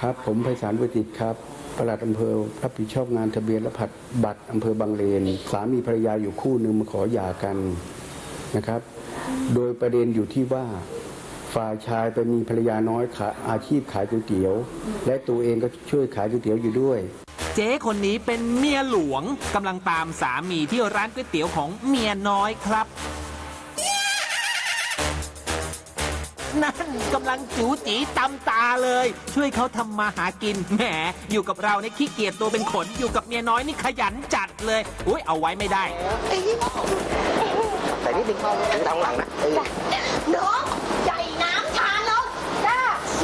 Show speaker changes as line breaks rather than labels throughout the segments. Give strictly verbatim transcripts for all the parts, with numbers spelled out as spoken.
ครับผมไพศาลบุญจิตครับปลัดอำเภอรับผิดชอบงานทะเบียนและผัดบัตรอำเภอบางเลนสามีภรรยาอยู่คู่หนึ่งมาขอหย่ากันนะครับโดยประเด็นอยู่ที่ว่าฝ่ายชายไปมีภรรยาน้อยขาอาชีพขายก๋วยเตี๋ยวและตัวเองก็ช่วยขายก๋วยเตี๋ยวอยู่ด้วย
เจ๊คนนี้เป็นเมียหลวงกำลังตามสามีที่ร้านก๋วยเตี๋ยวของเมียน้อยครับนั่นกำลังจู๋จีตำตาเลยช่วยเขาทำมาหากินแหมอยู่กับเราในขี้เกียจตัวเป็นขนอยู่กับเมียน้อยนี่ขยันจัดเลยอุ้ยเอาไว้ไม่ได้
แต่นี่ดึงเข้าทางหลังนะ
น้องใหญ่น้ำชาลงจ้า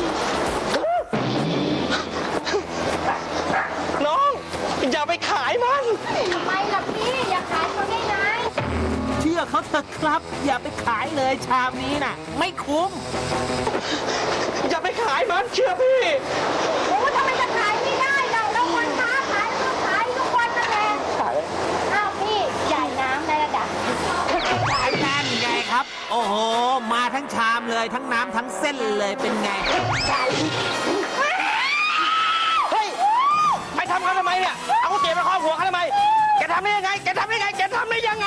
น้องอย่าไปขายมัน
ทำไมล่ะพี่อย่าขายเขาได้ไง
เชื่อเขาเถอะครับอย่าไปขายเลยชามนี้น่ะไม่คุ้ม
อย่าไปขายมันเชื่อพี่
โอ้ทำไมจะขายไม่ได้เราเราคนค้าขายเราขายทุกวันนั่นแหละ
ขาย
อ้าวพี่ใหญ่น้ำในระดับ
นั่นไงครับโอ้โหมาทั้งชามเลยทั้งน้ำทั้งเส้นเลยเป็นไง
เฮ้ยไปทำเขาทำไมเนี่ยเอาเก๋มาครอบหัวเขาทำไมแกทำได้ยังไงแกทำได้ยังไงแกทำได้ยังไง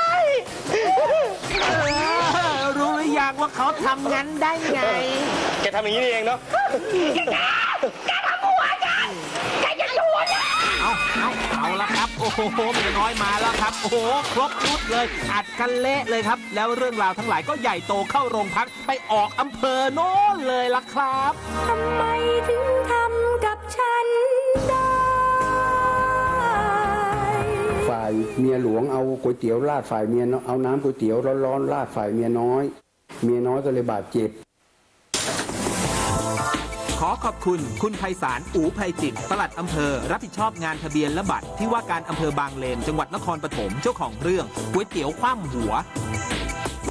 รู้หรือยังว่าเขาทำงั้นได้ไง
แกทำอย่างนี้นี่เองเนาะ
แกทำหัวฉันแกจะอยู่นะ
เอาเอาเอาละครับโอ้โหเมียน้อยมาแล้วครับโอ้โหครบชุดเลยอัดกันเละเลยครับแล้วเรื่องราวทั้งหลายก็ใหญ่โตเข้าโรงพักไปออกอำเภอโน้นเลยล่ะครับ
ทำไมถึงทำกับฉันได้
ฝ่ายเมียหลวงเอาก๋วยเตี๋ยวราดฝ่ายเมียเอาน้ำก๋วยเตี๋ยวร้อนๆราดฝ่ายเมียน้อยเมียน้อยก็เลยบาดเจ็บ
ขอขอบคุณคุณไพศาลอู่ไพจิตรปลัดอำเภอรับผิดชอบงานทะเบียนและบัตรที่ว่าการอำเภอบางเลนจังหวัดนครปฐมเจ้าของเรื่องก๋วยเตี๋ยวคว่ำหัว